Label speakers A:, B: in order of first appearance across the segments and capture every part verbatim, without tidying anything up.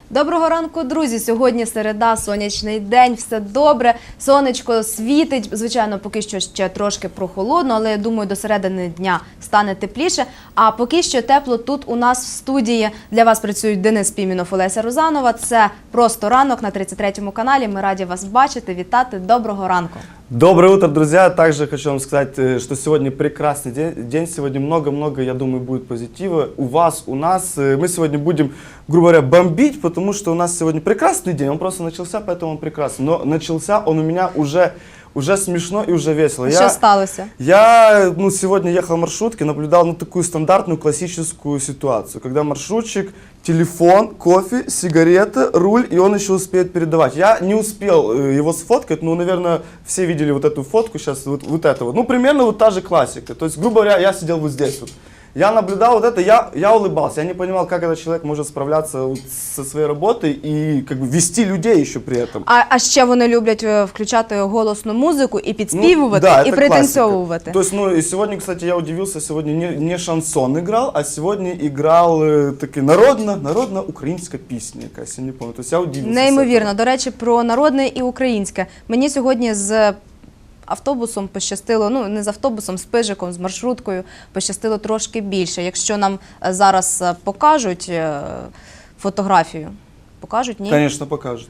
A: Доброго ранку, друзі! Сьогодні середа, сонячний день, все добре, сонечко світить. Звичайно, поки що ще трошки прохолодно, але я думаю, до середини дня стане тепліше. А поки що тепло тут у нас в студії. Для вас працюють Денис Піменов, Олеся Розанова. Це «Просто ранок» на тридцять третьому каналі. Ми раді вас бачити, вітати. Доброго ранку!
B: Доброе утро, друзья! Также хочу вам сказать, что сегодня прекрасный день. Сегодня много-много, я думаю, будет позитива. У вас, у нас. Мы сегодня будем, грубо говоря, бомбить, потому что у нас сегодня прекрасный день. Он просто начался, поэтому он прекрасный. Но начался он у меня уже... Уже смешно и уже весело.
A: Что сталось?
B: Я ну, сегодня ехал в маршрутке, наблюдал ну, такую стандартную классическую ситуацию, когда маршрутчик, телефон, кофе, сигареты, руль, и он еще успеет передавать. Я не успел его сфоткать, ну, наверное, все видели вот эту фотку сейчас, вот, вот это вот. Ну, примерно вот та же классика. То есть, грубо говоря, я сидел вот здесь вот. Я наблюдал вот это, я, я улыбался, я не понимал, как этот человек может справляться вот со своей работой и как бы вести людей еще при этом.
A: А, а ще вони люблять включати голосну музику і підспівувати,
B: ну, да,
A: і пританцьовувати.
B: То есть, ну, и сегодня, кстати, я удивился, сегодня не, не шансон играл, а сегодня играл э, таки народно, народно-українська пісня, якась, я не помню. То есть я удивился.
A: Неймовірно. До речі, про народне і українське. Мені сьогодні з автобусом пощастило, ну не з автобусом, з пижиком, з маршруткою пощастило трошки більше. Якщо нам зараз покажуть фотографію, покажуть, ні?
B: Звісно, покажуть.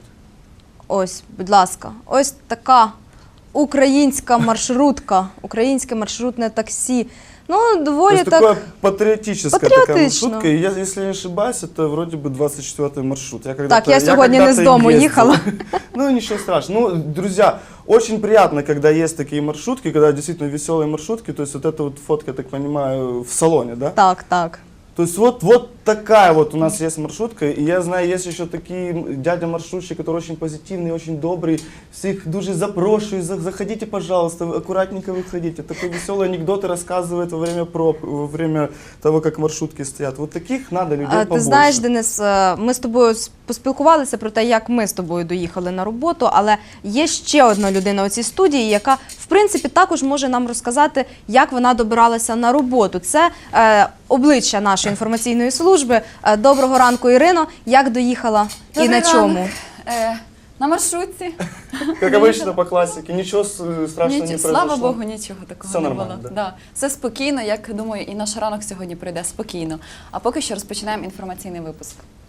A: Ось, будь ласка, ось така українська маршрутка, українське маршрутне таксі. Ну, доволі так...
B: такая патриотическая
A: Патриотично.
B: такая маршрутка. И я, если не ошибаюсь, это вроде бы двадцать четвёртый маршрут. Я
A: так, я сегодня не с дому ехала.
B: Ну, ничего страшного. Ну, друзья, очень приятно, когда есть такие маршрутки, когда действительно веселые маршрутки. То есть вот эта вот фотка, я так понимаю, в салоне, да?
A: Так, так.
B: То есть вот, вот такая вот у нас есть маршрутка, и я знаю, есть еще такие дядя-маршрутчики, которые очень позитивные, очень добрые, всех дуже запрошую, заходите, пожалуйста, аккуратненько выходите. Такой веселый анекдоты рассказывает во время проб, во время того, как маршрутки стоят. Вот таких надо людей побольше.
A: Ти знаєш, Денис, ми з тобою поспілкувалися про те, як ми з тобою доїхали на роботу, але є ще одна людина у цій студії, яка, в принципі, також може нам розказати, як вона добиралася на роботу. Це е, обличчя нашої інформаційної служби. Доброго ранку, Ірино. Як доїхала і
C: Добрий
A: на чому?
C: ранок. Е, на маршрутці.
B: Как обычно по классике, ничего страшного
C: Ніч...
B: не произошло.
C: Слава Богу, нічого такого
B: Все
C: не
B: нормально,
C: було.
B: да?
C: Да. Все спокійно, як думаю, і наш ранок сьогодні пройде спокійно. А поки що розпочинаємо інформаційний випуск.